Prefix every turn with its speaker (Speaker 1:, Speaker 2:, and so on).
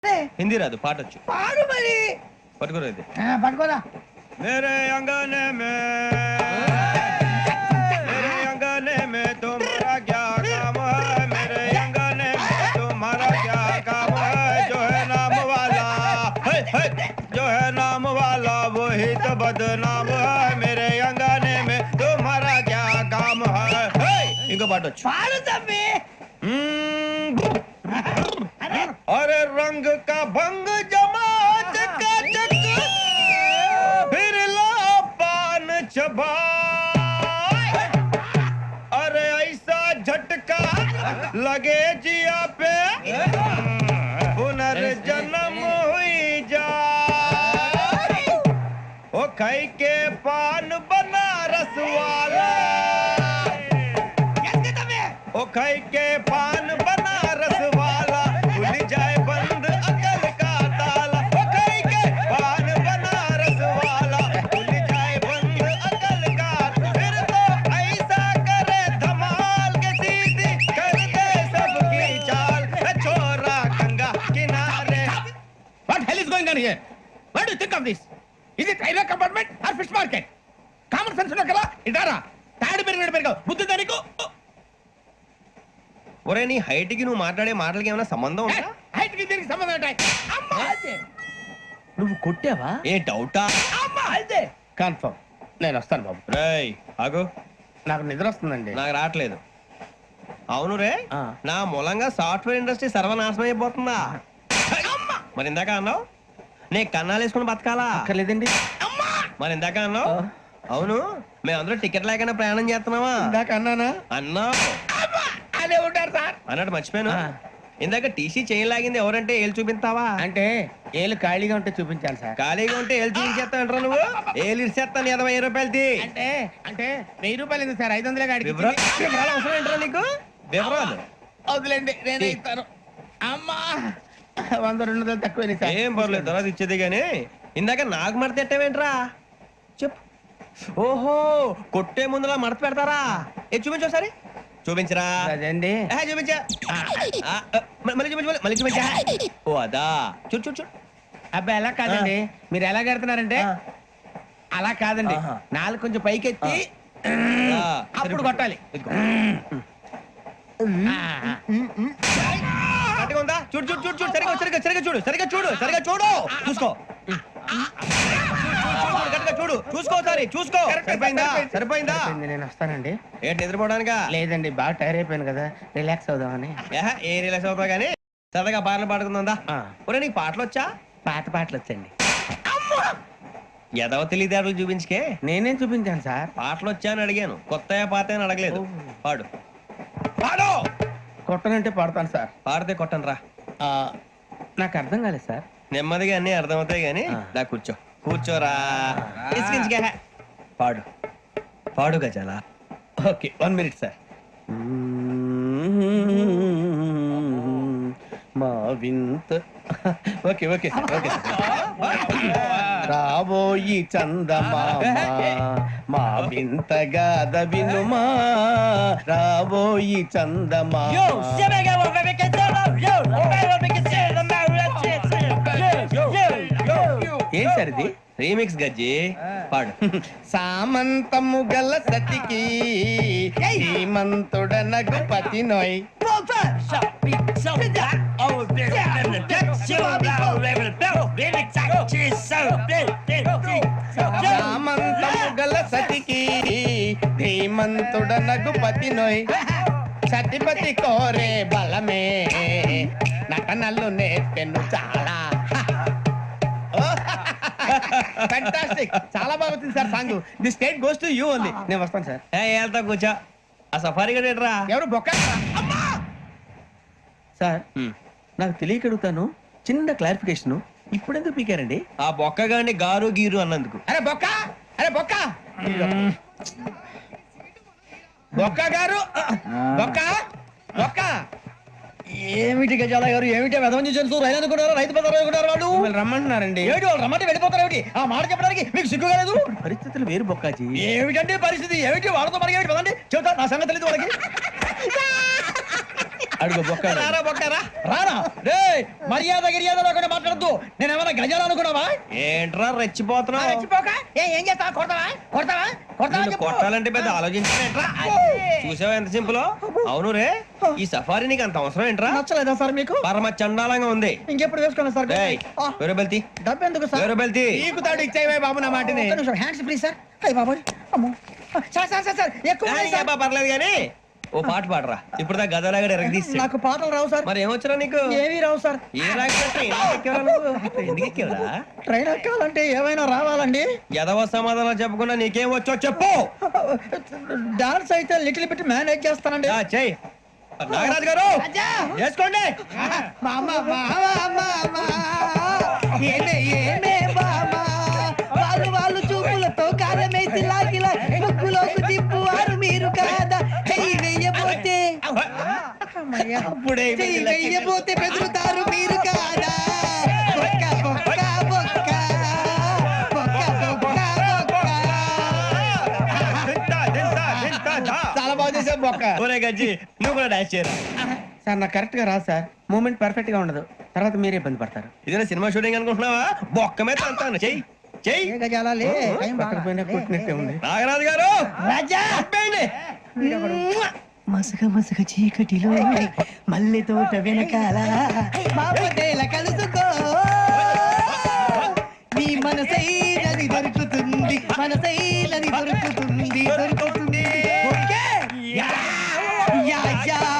Speaker 1: హిందీ రాదు, పాటొచ్చు.
Speaker 2: పాడు మరి.
Speaker 1: పట్టుకోరా ఇది.
Speaker 2: పట్టుకోరా.
Speaker 1: మేరే అంగనే మే మేరే అంగనే మే తుమ్హారా క్యా కామ్ హై మేరే అంగనే మే తుమ్హారా క్యా కామ్ హై జో హై నామ్ వాలా హై హై జో హై నామ్ వాలా వహీ తో బద్నామ్ హై మేరే అంగనే మే తుమ్హారా క్యా కామ్ హై హై. ఇంకో పాటొచ్చు.
Speaker 2: పాడు తమ్మి.
Speaker 1: अरे रंग का भंग जमा चकाचक फिर ला पान चबा अरे ऐसा झटका लगे जिया पे पुनर्जन्म हुई जा ओ खाई के पान बनारस वाला ओ खाई के पान बनारस वाला खुल जाए बंद अकल का ताला ओ खाई के पान बनारस वाला खुल जाए बंद अकल का फिर तो ऐसा करे धमाल के सीधी कर दे सबकी चाल छोरा गंगा किनारे.
Speaker 3: What hell is going on here? What do you think of this? Is it railway compartment or fish market? Common sense ఉన్నా కదా ఇదారా తాడు పెరిగాడు బుద్ధి దానికి.
Speaker 1: ఒరే నీ హైట్ కి నువ్వు మాట్లాడే మాటలకి ఏమైనా సంబంధం ఉందా?
Speaker 3: హైట్ కి దీనికి సంబంధం ఉంటాయి. అమ్మా అదే నువ్వు కొట్టావా?
Speaker 1: ఏ డౌటా?
Speaker 3: అమ్మా అదే కన్ఫర్మ్. నేను వస్తాను బాబు.
Speaker 1: రేయ్ ఆగు.
Speaker 3: నాకు నిద్ర వస్తుందండి.
Speaker 1: నాకు రావట్లేదు. అవును రే, నా మూలంగా సాఫ్ట్వేర్ ఇండస్ట్రీ సర్వనాశనం అయిపోతుందా? మరి ఇందాక అన్నావు నీ కన్నాలు వేసుకుని బతకాలా?
Speaker 3: అక్కర్లేదండి.
Speaker 1: మరి ఇందాక అన్నావు అవును మేమందరూ టికెట్ లేకుండా ప్రయాణం చేస్తున్నావా?
Speaker 3: ఇందాక అన్నానా?
Speaker 1: అన్నావు.
Speaker 3: అదే ఉంటారు సార్
Speaker 1: అన్నట్టు మర్చిపోయాను. ఇందాక టీసీ చేయి లాగింది ఎవరంటే ఏళ్ళు చూపిస్తావా?
Speaker 3: అంటే ఏళ్ళు ఖాళీగా ఉంటే చూపించాలి సార్.
Speaker 1: ఖాళీగా ఉంటే ఏళ్ళు చూపించేస్తా అంటారా నువ్వు? ఏళ్ళు ఇచ్చేస్తాను 20 రూపాయలది.
Speaker 3: అంటే అంటే 1000 రూపాయలు ఎందుకు సార్? 500 గాడికి
Speaker 1: వివరాలు అవసరం ఏంటరా నీకు? వివరాలు
Speaker 3: వదిలేండి, నేనే ఇస్తాను. అమ్మా 100-200 తక్కువ సార్.
Speaker 1: ఏం పర్లేదు, తర్వాత ఇచ్చేది గానీ ఇందాక నాకు మడత ఎట్టవేంట్రా చెప్పు. ఓహో కొట్టే ముందులా మడత పెడతారా? ఏ చూపించు ఒకసారి. చూపించరా?
Speaker 3: అదండి
Speaker 1: చూపించా. మళ్ళీ చూపించు, మళ్ళీ చూపించా. ఓ అదా, చూడు చూడు చూడు.
Speaker 3: అబ్బాయి ఎలా కాదండి, మీరు ఎలా కడుతున్నారంటే అలా కాదండి. నాలుగు కొంచెం పైకెత్తి అప్పుడు కొట్టాలి.
Speaker 1: ఉందా? చూడు చూడు చూడు చూడు. సరిగా సరిగా సరిగా చూడు, సరిగా చూడు, సరిగా చూడు. చూసుకో చూడు, చూసుకో ఒకసారి చూసుకో. సరిపోయిందా? సరిపోయిందా?
Speaker 3: నేను వస్తానండి.
Speaker 1: ఏంటి నిద్రపోవడానికా?
Speaker 3: లేదండి, బాగా టైర్ అయిపోయాను కదా, రిలాక్స్ అవుదామని.
Speaker 1: ఏ రిలాక్స్ అవుతావు కానీ సరదాగా పాటలు పాడుకుందా? ఒరే నీకు పాటలు వచ్చా?
Speaker 3: పాత పాటలు వచ్చండి.
Speaker 1: ఎదవ తెలివితేటలు చూపించుకే.
Speaker 3: నేనేం చూపించాను సార్?
Speaker 1: పాటలు వచ్చా అని అడిగాను, కొత్త పాత అని అడగలేదు. పాడు పాడు.
Speaker 3: కొట్టనంటే పడతాను సార్.
Speaker 1: పాడితే కొట్టను రా.
Speaker 3: నాకు అర్థం కాలేదు సార్.
Speaker 1: నెమ్మదిగా అన్ని అర్థమవుతాయి గానీ దా కూర్చో. కూర్చోరా. పాడు పాడు గజాల.
Speaker 3: Okay 1 minute sir. మా వింత okay okay sir, okay sir. రాబోయి చందమామ మా వింత గాథ వినుమా, రాబోయి చందమామ. ఏం సార్ ఇది?
Speaker 1: రీమిక్స్ గజ్జి. పాడు.
Speaker 3: సామంతము గల సతికి శ్రీమంతుడనగు పతి నోయ్. సామంతము గల సతికి ధీమంతుడనగు పతి నోయ్. సతిపతి కోరే బలమే నటనలు నేర్పెను చాలా. ఫ్యాంటాస్టిక్, చాలా బాగా వచ్చింది sir song. The state goes to you only. నేను వస్తాను సార్.
Speaker 1: వెళ్తా కూర్చో. ఆ సఫారీ గడేట్రా?
Speaker 3: ఎవరు బొక్క సార్? నాకు తెలియక అడుగుతాను, చిన్న క్లారిఫికేషన్. ఇప్పుడెందుకు పీకారండి?
Speaker 1: ఆ బొక్క గాని గారు గీరు అన్నందుకు.
Speaker 3: అరే బొక్క, అరే బొక్క, బొక్క గారు, బొక్క బొక్క.
Speaker 2: ఏమిటి గజాల గారు, ఏమిటి వెదవం చూసారు? రైలు అనుకున్నారు, రైతు బజార్ అనుకున్నారు. వాళ్ళు
Speaker 3: రమ్మంటున్నారండి.
Speaker 2: ఏమిటి వాళ్ళు రమ్మంటే వెళ్ళిపోతారు? ఏమిటి ఆ మాట చెప్పడానికి మీకు సిగ్గు కాలేదు?
Speaker 3: పరిస్థితులు వేరు బొక్కాజీ.
Speaker 2: ఏమిటంటే పరిస్థితి? ఏమిటి వాళ్ళతో మనకి ఏమిటి? పదండి చెబుతా, నా సంగతి తెలియదు వాళ్ళకి.
Speaker 3: అడుగు బొక్క
Speaker 1: రారా బొక్కరా.
Speaker 2: రానా రే మర్యాద గిర్యాద లేకుండా మాట్లాడద్దు నేను ఏమైనా గజాలు అనుకున్నావా
Speaker 1: ఏంట్రా రెచ్చిపోతున్నావు?
Speaker 2: ఏం చేస్తా కొడతావా కొడతావా
Speaker 1: నిన్ను కొట్టాలంటే పెద్ద ఆలోచించలేంట్రా. చూసావా ఎంత సింపుల్. అవును రే, ఈ సఫారీ నీకు అంత అవసరం ఏంట్రా?
Speaker 2: నచ్చలేదా సార్ మీకు
Speaker 1: పరమ చండాలంగా ఉంది.
Speaker 2: ఇంకెప్పుడు వేసుకోండి సార్
Speaker 1: ఏయ్, వేరే బెల్తి
Speaker 2: డబ్బు ఎందుకు సార్
Speaker 1: వేరే బెల్తి.
Speaker 3: నీకు తాడు ఇచ్చేవే బాబు నా మాటని.
Speaker 2: హ్యాండ్స్ ప్లీజ్ సార్ అయ్యి బాబోయ్ అమ్మో సార్ సార్ సార్ సార్ ఎక్కువ ఉన్నాయి సార్.
Speaker 1: పర్లేదు కానీ ఓ పాట పాడరా. ఇప్పుడు దా గదలాగడ ఎరగదీసి.
Speaker 2: నాకు పాటలు రావు సార్
Speaker 1: మరి ఏమొచ్చరా నీకు?
Speaker 2: ఏమీ రావు సార్
Speaker 1: ఏ రాకపోతే ఎందుకు ఎక్కేవరా?
Speaker 2: ట్రైన్ ఎక్కాలంటే ఏమైనా రావాలండి
Speaker 1: ఎదవ సమాధానం చెప్పకుండా నీకేం వచ్చో చెప్పు.
Speaker 2: డాన్స్ అయితే లిటిల్ బిట్ మేనేజ్ చేస్తానండి
Speaker 1: చెయ్యి నాగరాజు గారు చేసుకోండి.
Speaker 2: వాళ్ళు చూపులతో కారమేసి లాగిలా ముక్కులోకి తిప్పువారు మీరు కాదా చెయ్యి వెయ్యబోతే
Speaker 1: అప్పుడే
Speaker 2: చెయ్యి వెయ్యబోతే బెదురుతారు మీరు కాదా బొక్క బొక్క బొక్క బొక్క బొక్క బొక్క
Speaker 3: చాలా బాగా చేసావు బొక్క.
Speaker 1: ఒరే గజ్జి నువ్వు కూడా డాన్స్ చేయరా.
Speaker 3: సార్ నాకు కరెక్ట్ గా రాదు సార్. మూమెంట్ పర్ఫెక్ట్ గా ఉండదు, తర్వాత మీరే ఇబ్బంది పడతారు.
Speaker 1: ఇదేనా సినిమా షూటింగ్ అనుకుంటున్నావా? బొక్క మీద అంటాను. చెయ్యి చెయ్యి.
Speaker 2: ఏ గజాలాలే టైం
Speaker 3: పక్కన పోయినా కొట్టినట్టే ఉంది.
Speaker 1: నాగరాజు గారు
Speaker 2: రాజా
Speaker 1: ఆపేయండి.
Speaker 2: మసక మసక చీకటిలో మల్లె తోట వెనకాల బాపతేల కలుసుకో నీ మనసైనది దొరుకుతుంది మనసైనది దొరుకుతుంది